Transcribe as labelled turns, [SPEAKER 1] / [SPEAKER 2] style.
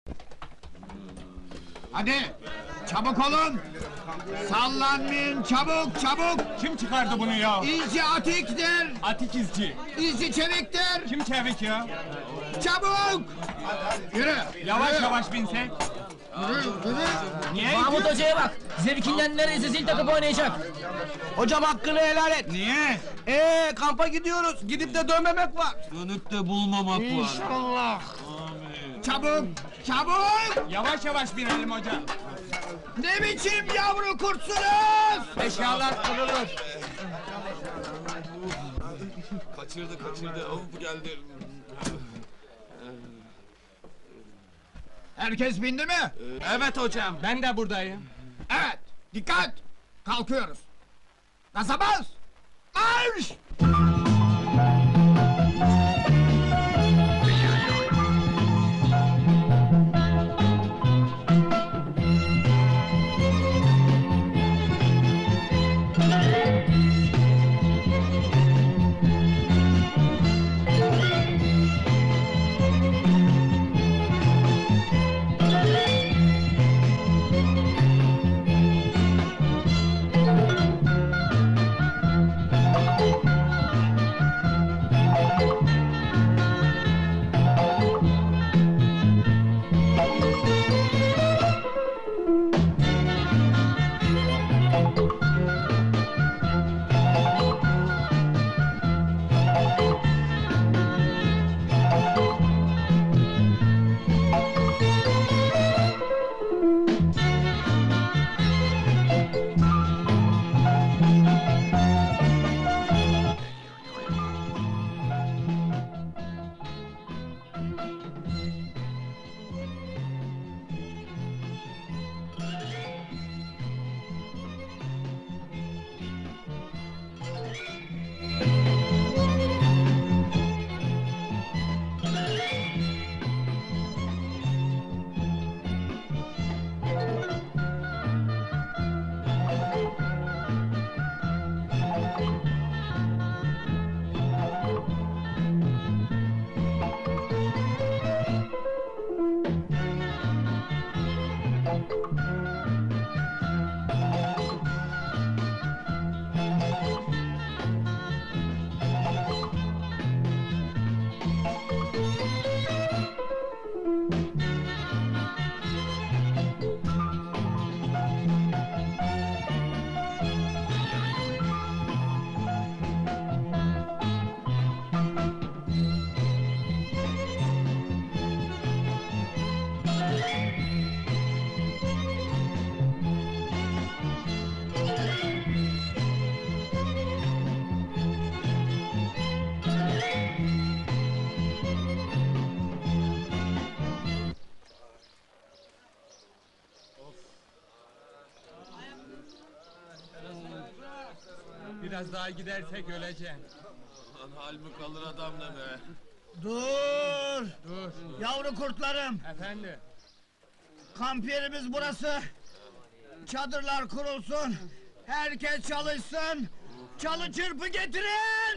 [SPEAKER 1] Hadi! Çabuk olun! Sallanmayın, çabuk, çabuk!
[SPEAKER 2] Kim çıkardı bunu ya?
[SPEAKER 1] İzci atiktir!
[SPEAKER 2] Atik izci.
[SPEAKER 1] İzci çeviktir!
[SPEAKER 2] Kim çevik ya?
[SPEAKER 1] Çabuk! Yürü!
[SPEAKER 2] Yavaş
[SPEAKER 1] yürü,
[SPEAKER 2] yavaş binsek.
[SPEAKER 1] Yürü!
[SPEAKER 2] Niye?
[SPEAKER 3] Mahmut Hoca'ya bak! Zevkinden neredeyse zil takıp oynayacak!
[SPEAKER 4] Hocam hakkını helal et.
[SPEAKER 1] Niye?
[SPEAKER 4] Kampa gidiyoruz. Gidip de dönmemek var.
[SPEAKER 5] Dönüp de bulmamak var.
[SPEAKER 4] İnşallah.
[SPEAKER 1] Çabuk! Çabuk!
[SPEAKER 2] Yavaş yavaş binelim hocam.
[SPEAKER 1] Ne biçim yavru kurtsunuz?
[SPEAKER 2] Eşyalar kırılır.
[SPEAKER 5] Kaçırdı. Of geldi.
[SPEAKER 1] Herkes bindi mi?
[SPEAKER 2] Evet hocam. Ben de buradayım.
[SPEAKER 1] Evet! Dikkat! Kalkıyoruz! Gaza bas! Marş!
[SPEAKER 2] Biraz daha gidersek öleceksin.
[SPEAKER 5] Lan hal mi kalır adam ne be?
[SPEAKER 1] Dur!
[SPEAKER 2] Dur.
[SPEAKER 1] Yavru kurtlarım!
[SPEAKER 2] Efendi.
[SPEAKER 1] Kamp yerimiz burası! Çadırlar kurulsun! Herkes çalışsın! Çalı çırpı getirin!